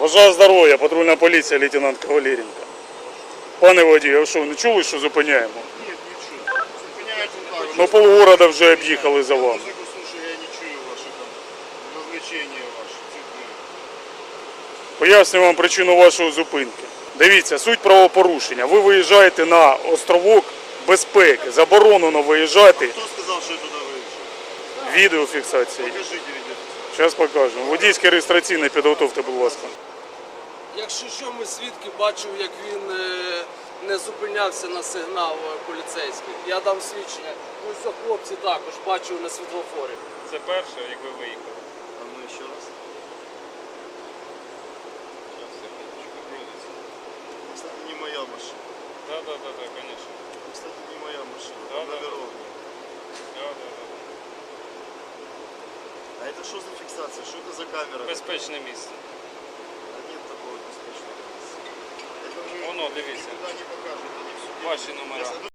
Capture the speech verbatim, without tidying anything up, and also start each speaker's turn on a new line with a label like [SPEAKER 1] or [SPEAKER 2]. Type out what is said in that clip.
[SPEAKER 1] Бажаю здоров'я, патрульна поліція, лейтенант Кавалєренко. Пане водій, а що, не чули, що зупиняємо?
[SPEAKER 2] Нет, не чую. Зупиняйте так.
[SPEAKER 1] Ну полгорода вже об'їхали за вами.
[SPEAKER 2] Музыку слушаю, я не чую ваши там развлечения ваши. цветные.
[SPEAKER 1] Поясню вам причину вашої зупинки. Дивіться, суть правопорушення. Ви виїжджаєте на островок безпеки. Заборонено виїжджати.
[SPEAKER 2] Кто сказал, что я туда выезжаю?
[SPEAKER 1] Відеофіксації.
[SPEAKER 2] Покажите видеофиксацию.
[SPEAKER 1] Зараз покажемо. Водійське реєстраційне підготовте, будь ласка.
[SPEAKER 3] Якщо що, ми свідки бачив, як він е, не зупинявся на сигнал е, поліцейський. Я дам свідчення. Ну що хлопці також бачив на світлофорі.
[SPEAKER 4] Це перше, як ви виїхали.
[SPEAKER 2] А ну еще раз.
[SPEAKER 4] Зараз секундочку, грузиться.
[SPEAKER 2] Кстати, не моя машина.
[SPEAKER 4] Да, да, да, да, конечно.
[SPEAKER 2] Кстати, не моя машина.
[SPEAKER 4] Да,
[SPEAKER 2] Там
[SPEAKER 4] да, да.
[SPEAKER 2] номеров нет.
[SPEAKER 4] Да, да, да.
[SPEAKER 2] А это что за фиксация? Что это за камера?
[SPEAKER 4] Безпечне місце.
[SPEAKER 2] А нет такого беспечного. Это вы
[SPEAKER 4] Воно, дивіться.
[SPEAKER 2] никуда не покажете, не в суде.
[SPEAKER 4] Ваші номера.
[SPEAKER 2] Я